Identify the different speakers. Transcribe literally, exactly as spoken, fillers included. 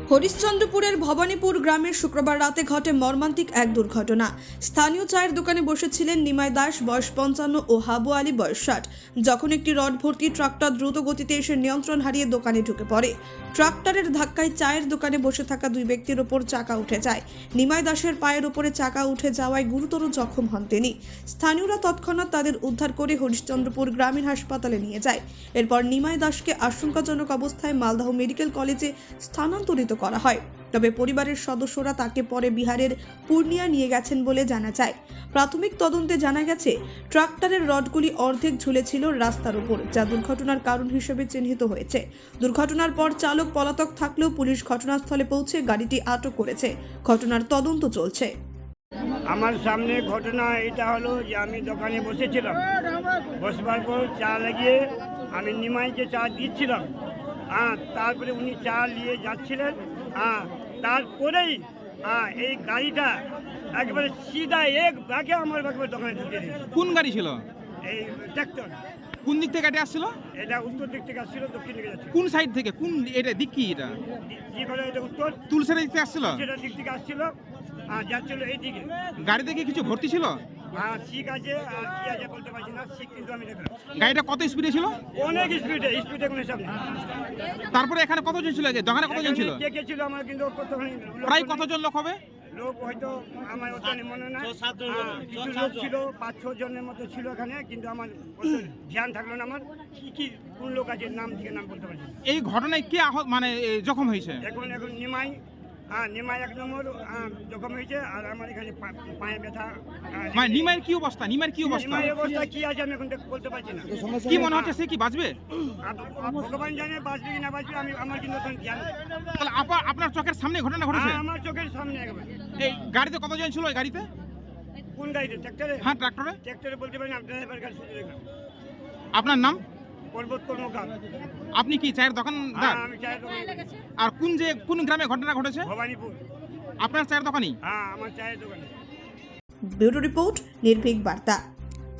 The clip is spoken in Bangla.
Speaker 1: হরিশ্চন্দ্রপুরের ভবানীপুর গ্রামের শুক্রবার রাতে ঘটে মর্মান্তিক এক দুর্ঘটনা। স্থানীয় চায়ের দোকানে বসেছিলেন নিমাই দাস বয়স পঞ্চান্ন ও হাবু আলী বয়স ষাট। যখন একটি রড ভর্তি ট্রাক্টর দ্রুত গতিতে এসে নিয়ন্ত্রণ হারিয়ে দোকানে ঢুকে পড়ে। ট্রাক্টরের ধাক্কায় চায়ের দোকানে বসে থাকা দুই ব্যক্তির ওপর চাকা উঠে যায়। নিমাই দাসের পায়ের ওপরে চাকা উঠে যাওয়ায় গুরুতর জখম হন তিনি। স্থানীয়রা তৎক্ষণাৎ তাদের উদ্ধার করে হরিশ্চন্দ্রপুর গ্রামীণ হাসপাতালে নিয়ে যায়। এরপর নিমাই দাসকে আশঙ্কাজনক অবস্থায় মালদহ মেডিকেল কলেজে স্থানান্তরিত করা হয়। তবে পরিবারের সদস্যরা তাকে পরে বিহারের পূর্ণিয়া নিয়ে গেছেন বলে জানা যায়। প্রাথমিক তদন্তে জানা গেছে ট্রাক্টরের রডগুলি অর্ধেক ঝুলেছিল রাস্তার উপর, যা দুর্ঘটনার কারণ হিসেবে চিহ্নিত হয়েছে। দুর্ঘটনার পর চালক পলাতক থাকলেও পুলিশ ঘটনাস্থলে পৌঁছে গাড়িটি আটক করেছে। ঘটনার তদন্ত চলছে।
Speaker 2: আমার সামনে ঘটনা এটা হলো যে আমি দোকানে বসেছিলাম, বসবার পর চা লাগিয়ে আমি নিমাইকে চা দিচ্ছিলাম। হ্যাঁ, তারপরে উনি চা নিয়ে যাচ্ছিলেন। হ্যাঁ, তারপরেই হ্যাঁ এই গাড়িটা একেবারে সিধা এক ব্যাগে আমার একেবারে দোকানে ঢুকে দিয়েছে।
Speaker 3: কোন গাড়ি ছিল?
Speaker 2: এই ট্র্যাক্টর।
Speaker 3: কোন দিক থেকে গাড়ি আসছিল?
Speaker 2: এটা উত্তর দিক থেকে আসছিল, দক্ষিণ দিকে যাচ্ছিল।
Speaker 3: কোন সাইড থেকে? কোন এটা দিক কি? এটা
Speaker 2: কি করে এটা উত্তর
Speaker 3: তুলসের দিক থেকে আসছিল?
Speaker 2: সেটা দিক থেকে আসছিল, আর যাচ্ছিল এই দিকে।
Speaker 3: গাড়িতে কি কিছু ভর্তি ছিল?
Speaker 2: হ্যাঁ, শিখ আছে আর কি আছে বলতে পারছি না, শিখ কিন্তু আমি দেখলাম।
Speaker 3: গাড়িটা কত স্পিডে ছিল?
Speaker 2: অনেক স্পিডে, স্পিডে কোনো হিসাব নেই।
Speaker 3: তারপরে এখানে কতজন ছিল? যে দোকানে কতজন ছিল?
Speaker 2: কে কে ছিল আমার কিন্তু কতখানি লোক
Speaker 3: প্রায়
Speaker 2: নেই।
Speaker 3: কতজন লোক হবে?
Speaker 2: লোক হয়তো আমার অত মনে নাই। হ্যাঁ, কিছু লোক ছিল, পাঁচ ছ জনের মতো ছিল এখানে, কিন্তু আমার অত ধ্যান থাকলো না। আমার কি কি কোন লোক আছে নাম থেকে নাম বলতে পারছি না।
Speaker 3: এই ঘটনায় কে আহত মানে এ, জখম হয়েছে?
Speaker 2: এখন এখন নিমাই, হ্যাঁ নিমাই এক নম্বর হ্যাঁ, জখম হয়েছে। আর আমার এখানে পা- পায়ে ব্যথা। হ্যাঁ,
Speaker 3: মানে নিমাইয়ের কি অবস্থা? নিমাইয়ের কি অবস্থা?
Speaker 2: নিমাইয়ের অবস্থা কি আছে আমি এখন দেখ- বলতে পারছি না।
Speaker 3: কি মনে হচ্ছে সে কি বাঁচবে?
Speaker 2: আর ভগবান জানে বাঁচবে কি না বাঁচবে, আমি আমার কিন্তু এখন ধ্যান নেই।
Speaker 3: তাহলে আপা- আপনার চোখের সামনে ঘটনা ঘটেছে?
Speaker 2: হ্যাঁ, আমার চোখের সামনে একেবারে।
Speaker 3: এই গাড়িতে কতজন ছিল? এই গাড়িতে?
Speaker 2: কোন গাড়িতে? ট্র্যাক্টরে?
Speaker 3: হ্যাঁ, ট্রাক্টরে।
Speaker 2: ট্র্যাক্টরে বলতে পারি না, ড্রাইভার কাছে দেখলাম।
Speaker 3: আপনার নাম?
Speaker 2: পর্বত কর্মকার।
Speaker 3: আপনি কি চায়ের দোকানদার?
Speaker 2: হ্যাঁ, আমি চায়ের দোকানে করি।
Speaker 3: আর কোন যে কোন গ্রামে ঘটনা ঘটেছে?
Speaker 2: ভবানীপুর।
Speaker 3: আপনার চায়ের দোকানই?
Speaker 2: হ্যাঁ, আমার চায়ের দোকানে।
Speaker 1: ব্যুরো রিপোর্ট, নির্ভীক বার্তা।